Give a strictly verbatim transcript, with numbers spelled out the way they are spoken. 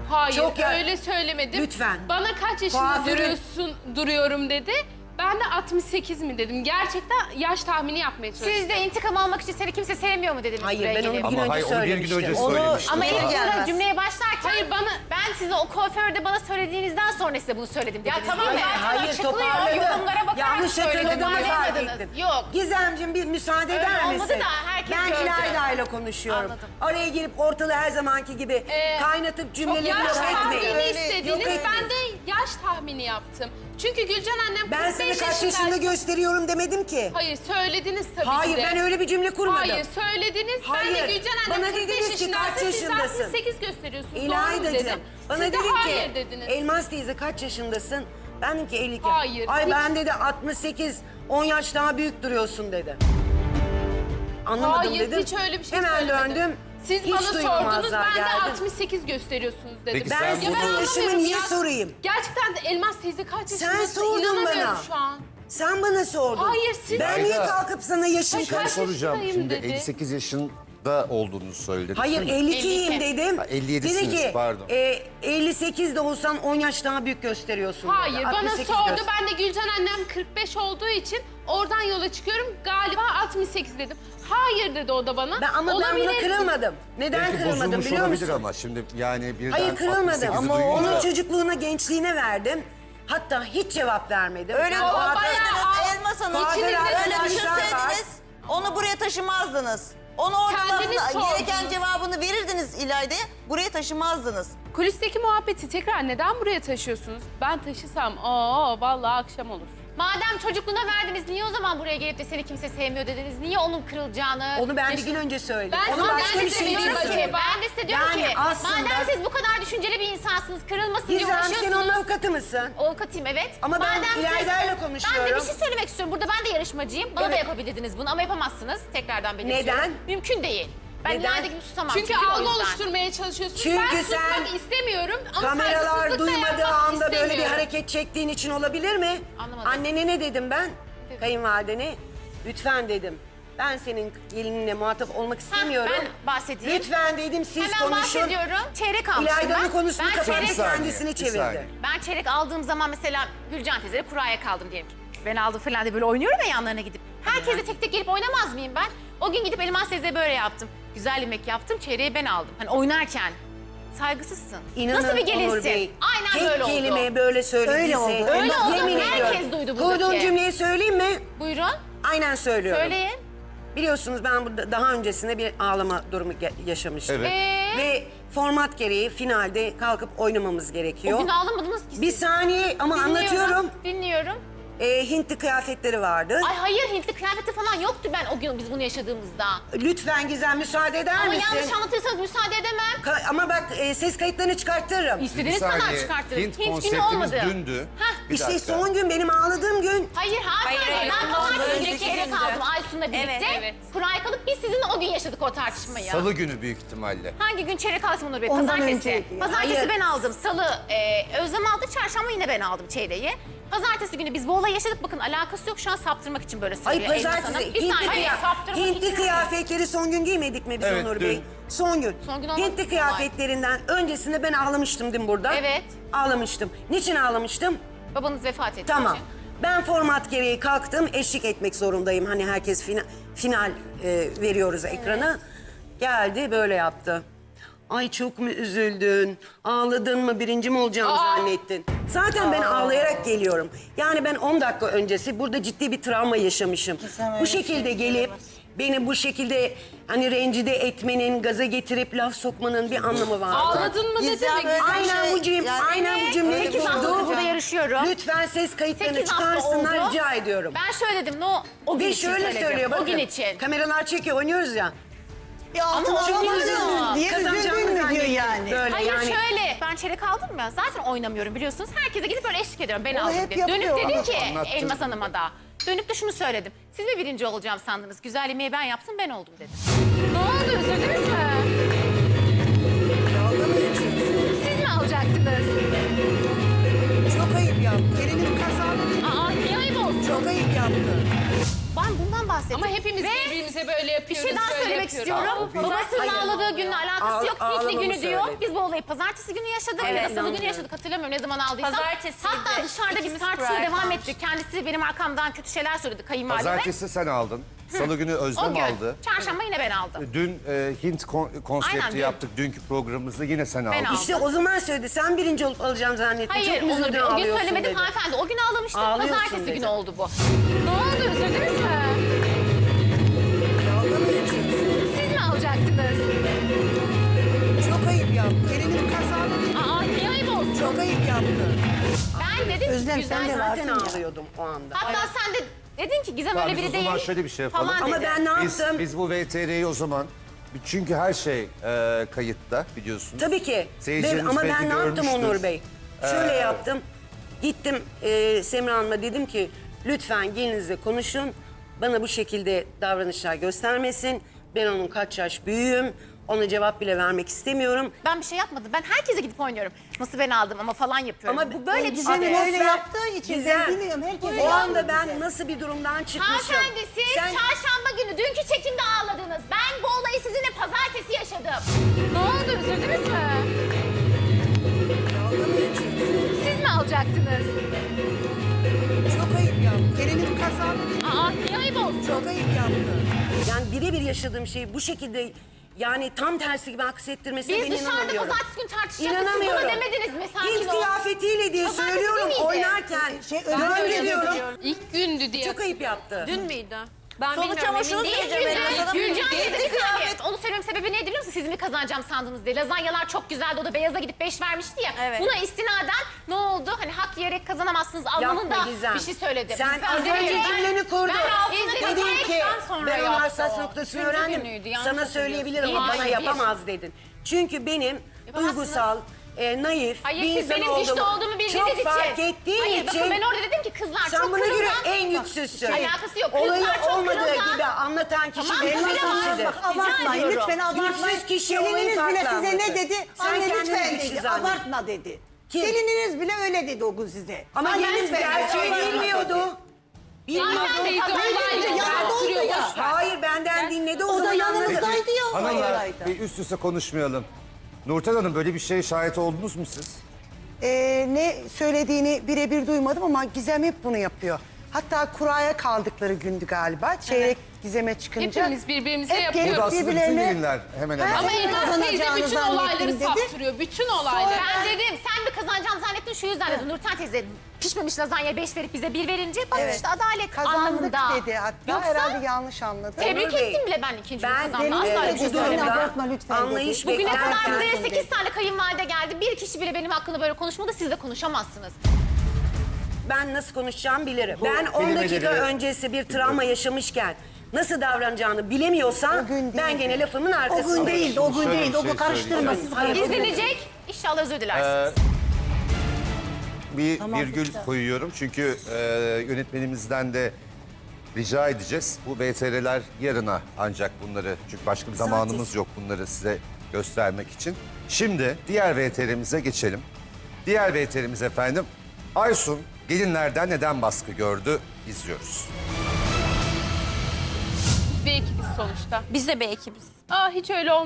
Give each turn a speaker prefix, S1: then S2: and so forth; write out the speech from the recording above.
S1: Hayır
S2: Çok ya-
S1: öyle söylemedim.
S2: Lütfen.
S1: Bana kaç yaşında
S2: Kuaförün-
S1: duruyorsun, duruyorum dedi. Ben de altmış sekiz mi dedim. Gerçekten yaş tahmini yapmaya çalıştım.
S3: Siz de intikam almak için seni kimse sevmiyor mu dediniz
S2: Hayır
S3: buraya
S2: ben onu
S3: gelip?
S2: bir gün
S4: Ama
S2: önce
S4: hayır, onu bir gün
S2: söylemiştim.
S4: önce
S2: Onu-
S4: söylemiştim.
S3: Ama
S4: Aa.
S3: ilk burada
S5: Gelmez.
S3: cümleye başlarken
S1: Hayır, bana-
S3: ben size o kuaförde bana söylediğinizden sonra size bunu söyledim dediniz.
S1: Ya tamam,
S3: değil mi?
S1: hayır,
S2: Hayır
S3: Açıklıyor,
S2: toparladım.
S3: yorumlara bakarak
S2: Yanlış
S3: söyledim,
S2: hatırladığımı fark
S3: anlamadınız.
S2: ettim.
S3: Yok.
S2: Gizemciğim bir müsaade
S3: Öyle
S2: eder
S3: olmadı
S2: misin?
S3: da herkes
S2: ben
S3: gördü.
S2: İlayda'yla konuşuyorum.
S3: Anladım.
S2: Oraya girip ortalığı her zamanki gibi
S1: Ee,
S2: kaynatıp
S1: Çok
S2: cümleleri
S1: yaş
S2: yok
S1: tahmini
S2: etmeyin. Yok
S1: istediniz.
S2: etmeyin.
S1: Ben de yaş tahmini yaptım. Çünkü Gülcan annem
S2: Ben
S1: kırk beş
S2: sana kaç
S1: yaşındaydı.
S2: yaşında gösteriyorum demedim ki.
S1: Hayır söylediniz tabii
S2: Hayır
S1: ki de.
S2: ben öyle bir cümle kurmadım.
S1: Hayır söylediniz. Ben
S2: Hayır.
S1: de Gülcan annem
S2: Bana
S1: kırk beş
S2: dediniz ki kaç
S1: yaşındaysa siz de
S2: yaşındasın?
S1: altmış sekiz gösteriyorsunuz. Doğru mu
S2: İlayda'cığım
S1: dedim.
S2: bana
S1: Siz de
S2: dedin
S1: hayır
S2: ki
S1: dediniz.
S2: Elmas teyze kaç yaşındasın? Ben dedim ki elli iki.
S1: Hayır,
S2: Ay
S1: hiç-
S2: ben dedi altmış sekiz on yaş daha büyük duruyorsun dedi. Anlamadım
S1: Hayır
S2: dedim.
S1: hiç öyle bir şey
S2: Hemen
S1: söylemedim.
S2: döndüm.
S1: Siz
S2: Hiç
S1: bana sordunuz
S2: duymamazlar
S1: ben de
S2: geldim.
S1: altmış sekiz gösteriyorsunuz dedim.
S4: Peki
S2: Ben
S4: sen
S2: senin
S4: bunu-
S2: yaşını
S1: anlamıyorum
S2: niye
S1: ya.
S2: sorayım?
S1: Gerçekten de Elmas teyze kaç
S2: Sen
S1: yaşındasın?
S2: sordun
S1: İnanamıyorum
S2: bana.
S1: şu an.
S2: Sen bana sordun.
S1: Hayır, siz-
S2: Ben niye
S4: İlayda.
S2: kalkıp sana yaşın
S1: Kaç
S4: Ben
S2: kaç?
S4: soracağım
S1: yaşındayım
S4: şimdi
S1: dedi.
S4: elli sekiz yaşında olduğunu söyledin.
S2: Hayır elli ikiyim
S1: elli iki.
S2: dedim.
S4: Ha, elli yedisiniz,
S2: Dedi ki
S4: pardon.
S2: e, elli sekiz de olsan on yaş daha büyük gösteriyorsun. dedi.
S1: Hayır bana
S2: altmış sekiz
S1: sordu.
S2: göster-
S1: Ben de Gülcan annem kırk beş olduğu için oradan yola çıkıyorum. Galiba altmış sekiz dedim. Hayır dedi o da bana.
S2: Ben, ama ben
S1: Olabilir.
S2: buna kırılmadım. Neden
S4: Belki
S2: kırılmadım
S4: bozulmuş
S2: biliyor
S4: olabilir
S2: musun?
S4: ama şimdi yani birden
S2: Hayır kırılmadım.
S4: altmış sekizi
S2: Ama
S4: duyunca-
S2: onun çocukluğuna, gençliğine verdim. Hatta hiç cevap vermedim.
S5: Öyle
S2: Ben
S1: Ama
S2: kuaför-
S1: bayağı-
S5: Elmas Hanım.
S2: Kuaför
S5: Öyle
S2: arkadaşlar
S5: düşünseydiniz onu buraya taşımazdınız. Onu orada
S1: Kendiniz
S5: lafını-
S1: sordunuz.
S5: gereken cevabını verirdiniz İlayda'ya. Buraya taşımazdınız.
S1: Kulisteki muhabbeti tekrar neden buraya taşıyorsunuz? Ben taşısam aa vallahi akşam olur.
S3: Madem çocukluğuna verdiniz niye o zaman buraya gelip de seni kimse sevmiyor dediniz? Niye onun kırılacağını...
S2: Onu ben bir gün önce söyledim.
S3: Ben,
S2: Onu
S3: ama
S2: başka
S3: ben de
S2: bir
S3: size
S2: şey
S3: diyorum
S2: için
S3: ki,
S2: söyledim.
S3: ben de size diyorum
S2: Yani
S3: ki,
S2: aslında-
S3: madem siz bu kadar düşünceli bir insansınız, kırılmasın diye
S2: Gizem sen
S3: uğraşıyorsunuz.
S2: onun avukatı mısın?
S3: Avukatıyım evet.
S2: Ama ben
S3: siz-
S2: İlayda'yla konuşuyorum.
S3: Ben de bir şey söylemek istiyorum. Burada ben de yarışmacıyım. Bana da
S2: Evet.
S3: yapabilirdiniz bunu ama yapamazsınız. Tekrardan belirtiyorum.
S2: Neden?
S3: Mümkün değil. Ben
S2: Neden?
S3: İlayda gibi susamam.
S1: Çünkü,
S3: o
S1: algı
S3: yüzden.
S1: oluşturmaya çalışıyorsunuz.
S2: Çünkü
S1: ben
S2: sen
S1: susmak istemiyorum ama
S2: Kameralar
S1: saygısızlık da
S2: duymadığı
S1: yapmak
S2: anda böyle bir
S1: istemiyorum.
S2: hareket çektiğin için olabilir mi?
S3: Anlamadım.
S2: Annene ne dedim ben? Kayınvalidene. Lütfen dedim. Ben senin gelininle muhatap olmak istemiyorum.
S3: ben bahsedeyim.
S2: Lütfen dedim siz
S3: Hemen
S2: konuşun.
S3: bahsediyorum. Çeyrek almıştım
S2: İlayda'nın
S3: ben.
S2: konusunu
S3: ben
S2: kapatıp
S3: çeyrek,
S4: Bir saniye,
S2: kendisini
S4: bir
S2: çevirdi.
S4: saniye.
S3: ben çeyrek aldığım zaman mesela Gülcan teyzeyle kuraya kaldım diyelim ki. Ben aldım falan diye böyle oynuyorum ya yanlarına gidip. Herkese tek tek gelip oynamaz mıyım ben? O gün gidip Elmas teyzeye böyle yaptım. Güzel yemek yaptım, çeyreği ben aldım. Hani oynarken. Saygısızsın.
S2: İnanın
S3: Nasıl bir
S2: Onur
S3: gelinsin?
S2: Bey,
S3: Aynen
S2: tek
S3: böyle oldu.
S2: kelime böyle söylediyse.
S5: Öyle oldu.
S3: Öyle oldu.
S2: Yemin
S3: Herkes
S2: ediyorum.
S3: duydu buradaki.
S2: Kurduğun cümleyi söyleyeyim mi?
S3: Buyurun.
S2: Aynen söylüyorum.
S3: Söyleyin.
S2: Biliyorsunuz ben burada daha öncesinde bir ağlama durumu ge- yaşamıştım.
S4: Evet.
S3: Ee,
S2: Ve format gereği finalde kalkıp oynamamız gerekiyor.
S3: o gün ağlamadınız ki siz.
S2: Bir saniye ama
S3: Dinliyorum,
S2: anlatıyorum.
S3: Dinliyorum.
S2: Ee, Hintli kıyafetleri vardı.
S3: Ay hayır Hintli kıyafeti falan yoktu ben o gün biz bunu yaşadığımızda.
S2: Lütfen Gizem müsaade eder
S3: Ama
S2: misin?
S3: yanlış anlatırsanız müsaade edemem.
S2: Ka- ama bak e, ses kayıtlarını çıkartırım.
S3: İstediğiniz
S4: Bir
S3: kadar
S4: saniye,
S3: çıkartırım.
S4: Hint
S3: günü
S4: konseptimiz
S3: olmadı.
S4: dündü.
S3: Heh.
S4: Bir
S2: işte
S4: dakika.
S2: son gün benim ağladığım gün.
S3: Hayır hanımefendi
S5: hayır,
S3: ben
S5: ondan
S3: pazartesi günü
S5: önceki
S3: çeyrek
S5: gündü.
S3: aldım Aysun'la birlikte.
S5: Evet,
S1: evet.
S3: Kura'ya kalıp biz sizinle o gün yaşadık o tartışmayı.
S4: Salı günü büyük ihtimalle.
S3: Hangi gün çeyrek alsın Onur Bey?
S2: Ondan
S3: Pazartesi.
S2: önceydi.
S3: Pazartesi
S2: Hayır.
S3: ben aldım. Salı e, Özlem aldı. Çarşamba yine ben aldım çeyreği. Pazartesi günü biz bu olayı yaşadık. Bakın alakası yok. Şu an saptırmak için böyle
S2: Ay
S3: söylüyor Elmas
S2: pazartesi
S3: Hanım. Bir
S2: Hintli,
S3: saniye.
S2: kıya-
S3: Hayır, saptırmak
S2: Hintli
S3: için.
S2: kıyafetleri son gün giymedik mi biz
S4: Evet,
S2: Onur
S4: dün.
S2: Bey? Son gün.
S3: Son gün olmadı.
S2: Hintli kıyafetlerinden öncesinde ben ağlamıştım değil mi burada?
S3: Evet.
S2: Ağlamıştım. Niçin ağlamıştım?
S3: Babanız vefat etti.
S2: Tamam.
S3: için.
S2: Ben format gereği kalktım, eşlik etmek zorundayım. Hani herkes final, final e, veriyoruz ekrana. Geldi böyle yaptı. Ay çok mu üzüldün? Ağladın mı? Birinci mi olacağımı zannettin? Zaten ben ağlayarak geliyorum. Yani ben on dakika öncesi burada ciddi bir travma yaşamışım.
S5: Gizem öyle
S2: Bu
S5: bir şey
S2: şekilde gelip
S5: söyleyemez.
S2: beni bu şekilde hani rencide etmenin, gaza getirip laf sokmanın bir anlamı var.
S1: Ağladın mı dedi
S5: Gizem
S1: mi?
S5: öyle-
S2: Aynen
S5: şey,
S2: bu cümle,
S5: yani-
S2: aynen bu cümleyi
S5: Öyle bir
S3: Sekiz
S5: şey
S3: haftadır
S2: kurdu.
S3: burada yarışıyorum.
S2: Lütfen ses kayıtlarını
S3: Sekiz hafta
S2: çıkarsınlar
S3: oldu.
S2: rica ediyorum.
S3: Ben şöyle dedim. No, o gün
S2: Ve
S3: için
S2: şöyle
S3: söyledim.
S2: söylüyor bakın.
S3: O gün için.
S2: Kameralar çekiyor oynuyoruz ya.
S5: Ya altın
S3: Ama
S5: alamadın
S3: üzüldüm.
S5: diye
S2: Kazanacağımı
S5: üzüldün mü diyor
S2: zannettim.
S5: yani.
S2: Böyle
S3: Hayır
S2: yani.
S3: şöyle, ben çeyrek aldım ya, zaten oynamıyorum biliyorsunuz. Herkese gidip böyle eşlik ediyorum, ben
S5: Onu
S3: aldım
S5: hep
S3: diye. Dönüp
S5: yapıyor.
S3: dedim ki
S4: Anlattın.
S3: Elmas Hanım'a da, dönüp de şunu söyledim. Siz mi birinci olacağım sandınız? Güzel yemeği ben yaptım, ben oldum dedim. Ne oldu, üzüldünüz mü? Siz mi alacaktınız?
S2: Çok ayıp yaptı. Gelinimi kazandı.
S3: Aa, niye ayıp olsun?
S2: Çok ayıp yaptı.
S3: Ben bundan bahsettik.
S1: Ama hepimiz
S3: Ve
S1: birbirimize böyle
S3: bir
S1: yapıyoruz.
S3: şey daha
S1: böyle
S3: söylemek
S1: yapıyoruz.
S3: istiyorum.
S2: Biz-
S3: Babasının
S2: Hayır.
S3: ağladığı günle alakası
S2: Ağ-
S3: yok. Piknik
S2: ağlamamı
S3: günü diyor.
S2: söyledi.
S3: Biz bu olayı pazartesi günü yaşadık ya da salı günü
S2: inanmıyorum.
S3: yaşadık. Hatırlamıyorum ne zaman aldıysam.
S6: Pazartesiydi.
S3: Hatta dışarıda biz
S6: İkimiz
S3: tartışmaya
S6: Kur'an
S3: devam
S6: kalmış.
S3: ettik. Kendisi benim arkamdan kötü şeyler söyledi kayınvalideme.
S4: Pazartesi sen aldın. Salı günü
S3: O
S4: Özlem
S3: gün.
S4: aldı.
S3: Çarşamba yine ben aldım.
S4: Dün e, Hint kon- konsepti
S3: Aynen, dün.
S4: yaptık. Dünkü programımızda yine sen aldın.
S3: aldım.
S2: İşte o zaman söyledi. Sen birinci olup alacağım zannettim.
S3: Hayır,
S2: Çok
S3: onu
S2: üzüldün,
S3: bir- o gün
S2: ağlıyorsun
S3: söylemedim
S2: dedi.
S3: hanımefendi. O gün ağlamıştık.
S2: Ağlıyorsun
S3: Pazartesi
S2: dedi.
S3: günü oldu bu. Ne oldu? Üzüldünüz mü? Siz mi alacaktınız?
S7: Çok ayıp yaptı. Elini kazandı.
S3: Aa, niye ayıp olsun?
S7: Çok ayıp yaptı.
S3: Ben dedim ki
S7: Özlem,
S3: güzel.
S7: sen de var.
S2: Zaten ağlıyordum o anda.
S3: Hatta sen de dedin ki Gizem
S4: Tamam,
S3: öyle
S4: biz
S3: biri
S4: o
S3: değil.
S4: zaman şöyle bir şey yapalım.
S3: Falan
S2: Ama
S3: dedi.
S2: ben ne
S4: Biz,
S2: yaptım?
S4: biz bu V T R'yi o zaman çünkü her şey e, kayıtta biliyorsunuz.
S2: Tabii ki.
S4: Seyircilerimiz
S2: Ve- ama
S4: belki
S2: ben ne yaptım
S4: görmüştür.
S2: Onur Bey? Şöyle
S4: Ee,
S2: yaptım. Gittim e, Semra Hanım'a dedim ki lütfen gelinizle konuşun. Bana bu şekilde davranışlar göstermesin. Ben onun kaç yaş büyüğüm. Ona cevap bile vermek istemiyorum.
S3: Ben bir şey yapmadım. Ben herkese gidip oynuyorum. Nasıl ben aldım ama falan yapıyorum.
S2: Ama
S3: bu böyle bir şey.
S7: Gizem'in
S2: Ama
S7: öyle
S2: sen-
S7: yaptığı için
S2: Gizem,
S7: ben biliyorum. Herkese
S2: o anda
S7: yaptı
S2: ben
S7: Gizem.
S2: nasıl bir durumdan çıkmışım.
S3: Hanımefendi siz
S2: Sen-
S3: çarşamba günü dünkü çekimde ağladınız. Ben bu olayı sizinle pazartesi yaşadım. Ne oldu? Üzüldünüz mü? Siz mi alacaktınız?
S7: Çok ayıp yaptı. Elini kazandı.
S3: Aa, niye ayıp olsun?
S7: Çok ayıp yaptı.
S2: Yani birebir yaşadığım şeyi bu şekilde yani tam tersi gibi aksettirmesine
S3: Biz
S2: ben
S3: dışarıda
S2: inanamıyorum.
S3: pazartesi günü tartışacaktık. Siz
S2: İnanamıyorum.
S3: bana demediniz mi? Sakin
S2: Hint
S3: ol.
S2: kıyafetiyle diye
S3: Pazartesi
S2: söylüyorum
S3: günüydü.
S2: oynarken.
S7: Şey,
S2: ben
S7: öyle
S2: öyle diyorum.
S1: İlk gündü diye.
S2: Çok ayıp yaptı.
S6: Dün müydü? Ben
S5: Sonuç
S6: bilmiyorum,
S5: ama
S6: emin
S5: şunu
S6: değilim.
S5: söyleyeceğim Elmas Hanım.
S3: Gülcan teyze
S5: Gezdi
S3: bir saniye.
S5: kıyafet.
S3: Onu söylememin sebebi neydi biliyor musun? Siz mi kazanacağım sandınız diye. Lazanyalar çok güzeldi. O da beyaza gidip beş vermişti ya.
S6: Evet.
S3: Buna istinaden ne oldu? Hani hak yiyerek kazanamazsınız anlamında
S2: Yapma Gizem.
S3: bir şey söyledim.
S2: Sen
S3: Biz
S2: az
S3: izledik.
S2: önce cümleni kurdun.
S3: Ben altına
S2: Dedin ki
S3: kazandıktan sonra
S2: ben onun
S3: yaptı
S2: hassas
S3: o.
S2: noktasını
S3: Üçüncü
S2: öğrendim.
S3: günüydü, yanlış
S2: Sana
S3: hatırlıyorsun.
S2: söyleyebilirim ama
S3: Hayır,
S2: bana
S3: bir.
S2: yapamaz dedin. Çünkü benim
S3: Yapamazsınız.
S2: duygusal, e, naif
S3: Hayır
S2: bir
S3: siz
S2: insan
S3: benim güçlü
S2: olduğumu
S3: olduğumu bildiğiniz
S2: çok
S3: için.
S2: fark ettiğin
S3: Hayır
S2: için.
S3: bakın ben orada dedim ki kızlar
S2: sen
S3: çok
S2: buna göre
S3: kırılgan.
S2: en güçsüzsün.
S3: Alakası yok.
S2: Olayı
S3: Kızlar çok
S2: olmadığı
S3: kırılgan.
S2: gibi anlatan kişi
S3: Tamam,
S2: benim
S3: öyle var.
S2: kişidir.
S7: Bak abartmayın.
S3: ediyorum.
S7: Lütfen abartmayın.
S2: Güçsüz kişi olayı
S7: Gelininiz
S2: farklı
S7: bile size
S2: anlatır.
S7: ne dedi?
S2: Sen
S7: Anne
S2: kendini
S7: lütfen
S2: güçlü
S7: dedi.
S2: zannet.
S7: Abartma dedi.
S2: Kim?
S7: Gelininiz bile öyle dedi o gün size.
S2: Ama
S7: Anne
S2: gelin
S7: lütfen dedi,
S2: gerçeği
S7: abartma
S2: bilmiyordu.
S7: dedi.
S2: Bilmiyordu.
S1: Zaten teyze olayla
S7: yanında
S1: oturuyor.
S7: oldu ya.
S1: boş ver.
S2: Hayır benden dinledi o,
S7: O da
S2: zaman anladı.
S7: yanımızdaydı ya. o
S4: Hanımlar
S7: olayda.
S4: bir üst üste konuşmayalım. Nurten Hanım böyle bir şeye şahit oldunuz mu siz?
S7: Ee, ne söylediğini birebir duymadım ama Gizem hep bunu yapıyor. Hatta kuraya kaldıkları gündü galiba. Çeyrek Gizem'e çıkınca.
S1: Hepimiz birbirimize
S7: hep
S1: yapıyoruz.
S7: gelip
S4: Burada aslında bütün
S7: birbirlerine-
S4: gelinler hemen hemen.
S1: Ama
S7: Sen
S1: Elmas teyze
S7: kazanacağını
S1: bütün
S7: zannettim
S1: olayları
S7: dedi.
S1: saptırıyor. Bütün olayları.
S3: Ben dedim sen mi kazanacağım zannettin şu yüzden dedim. Nurten teyze pişmemiş lazanyaya beş verip bize bir verince bak
S7: Evet.
S3: işte adalet
S7: Kazandık
S3: anlamında.
S7: dedi hatta.
S3: Yoksa
S7: Herhalde yanlış anladı.
S3: tebrik
S2: Onur Bey,
S3: ettim bile ben ikinci
S2: ben
S3: kazanma.
S7: benim
S3: Asla
S7: de
S3: öyle bir şey
S7: dedim,
S3: söylemedim.
S7: abartma lütfen
S2: Anlayış
S7: dedi.
S3: Bugüne kadar
S2: beklerken.
S3: buraya sekiz tane kayınvalide geldi. Bir kişi bile benim hakkında böyle konuşmadı. Siz de konuşamazsınız.
S2: Ben nasıl konuşacağımı bilirim. Ben on dakika
S4: kelimeleri-
S2: öncesi bir travma yaşamışken nasıl davranacağını bilemiyorsam
S7: O gün
S2: ben
S7: değildi.
S2: gene lafımın
S7: O
S2: arkasındayım.
S7: gün değildi, o gün
S4: Şöyle bir
S7: değildi. O
S4: şey
S7: gün karıştırma.
S4: söyleyeceğim.
S7: Siz
S2: Hayır,
S7: karıştırmayın.
S3: İzlenecek. İnşallah özür dilersiniz.
S4: Ee, bir virgül koyuyorum çünkü e, yönetmenimizden de rica edeceğiz. Bu V T R'ler yarına ancak bunları çünkü başka bir zamanımız yok bunları size göstermek için. Şimdi diğer V T R'mize geçelim. Diğer V T R'miz efendim Aysun gelinlerden neden baskı gördü izliyoruz.
S1: Bir ekibiz sonuçta.
S6: Biz de bir ekibiz.
S1: Aa hiç öyle olmuyor.